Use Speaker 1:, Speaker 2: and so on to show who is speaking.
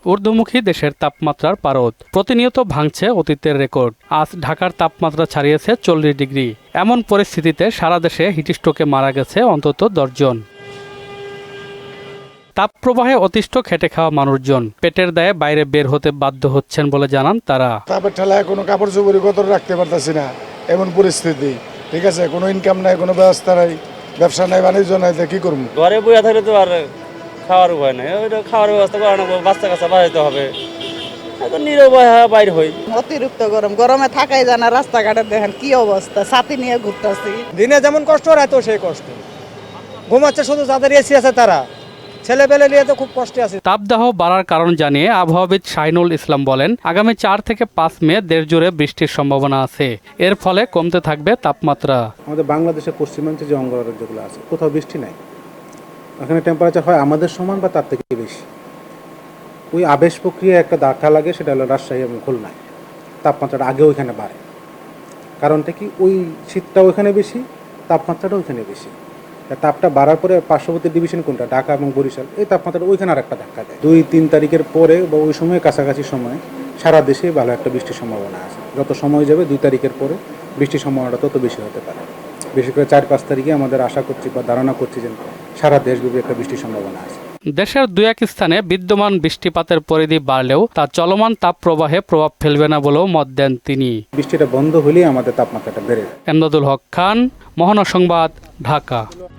Speaker 1: ঊর্ধ্বমুখী দেশের তাপমাত্রার পারদ প্রতিনিয়ত ভাঙছে অতীতের রেকর্ড। আজ ঢাকার তাপমাত্রা ছাড়িয়েছে 40 ডিগ্রি। এমন পরিস্থিতিতে সারা দেশে হিটস্ট্রোকে মারা গেছে অন্তত 10 জন। তাপপ্রবাহে অতিষ্ঠ খেটে খাওয়া মানুষজন পেটের দায়ে বাইরে বের হতে বাধ্য হচ্ছেন বলে জানান তারা।
Speaker 2: তাপের ঠেলায় কোনো কাপড় চোপড় কত রাখতে পারতেছি না, এমন পরিস্থিতি। ঠিক আছে, কোনো ইনকাম নাই, কোনো ব্যবস্থা নাই, ব্যবসা নাই, বাণিজ্য নাই, কি করবো?
Speaker 3: ঘরে বইয়া থাকলে তো আর খাওয়ার উপায় নাই, ওইটা খাওয়ার ব্যবস্থা করা নেবো, বাচ্চা কাচ্চা বাড়াইতে হবে, নিরুপায় বাইর হই।
Speaker 4: অতিরিক্ত গরমে থাকাই যায় না। রাস্তাঘাটে দেখেন কি অবস্থা, ছাতি নিয়ে ঘুরতেছি।
Speaker 5: দিনে যেমন কষ্ট রাত সেই কষ্ট, ঘুমাচ্ছে শুধু যাদের এসি আছে তারা, ছেলেপেলে নিয়ে তো খুব কষ্টে আছে।
Speaker 1: তাপদাহ বাড়ার কারণ জানিয়ে আবহাওয়াবিদ শাহিনুল ইসলাম বলেন, আগামী 4 থেকে 5 মে দেশ জুড়ে বৃষ্টির সম্ভাবনা আছে। এর ফলে কমতে থাকবে তাপমাত্রা।
Speaker 6: আমাদের বাংলাদেশের পশ্চিমাঞ্চল যে অঙ্গরাজ্যগুলো আছে কোথাও বৃষ্টি নাই, ওখানে টেম্পারেচার হয় আমাদের সমান বা তার থেকে বেশি। ওই আবেশ প্রক্রিয়া একটা ধাক্কা লাগে, সেটা হলো রাজশাহী এবং খুলনায়। তাপমাত্রাটা আগে ওইখানে বাড়ে, কারণটা কি ওই শীতটা ওইখানে বেশি, তাপমাত্রাটা ওইখানে বেশি। তাপটা বাড়ার পরে পার্শ্ববর্তী ডিভিশন কোনটা, ঢাকা এবং বরিশাল, এই তাপমাত্রাটা ওইখানে আর একটা ধাক্কা দেয়। 2-3 তারিখের পরে বা ওই সময় কাছাকাছি সময় সারা দেশে ভালো একটা বৃষ্টির সম্ভাবনা আছে। যত সময় যাবে 2 তারিখের পরে বৃষ্টির সম্ভাবনাটা তত বেশি হতে পারে। বিশেষ করে 4-5 তারিখে আমাদের আশা করছি বা ধারণা করছি যে সারা দেশব্যাপী একটা বৃষ্টির সম্ভাবনা আছে।
Speaker 1: দেশের 2-1 স্থানে বিদ্যমান বৃষ্টিপাতের পরিধি বাড়লেও তা চলমান তাপপ্রবাহে প্রভাব ফেলবে না বলেও মত দেন তিনি।
Speaker 6: বৃষ্টিটা বন্ধ হলেই আমাদের তাপমাত্রাটা বেড়ে যায়।
Speaker 1: এমদাদুল হক খান, মহানগর সংবাদ, ঢাকা।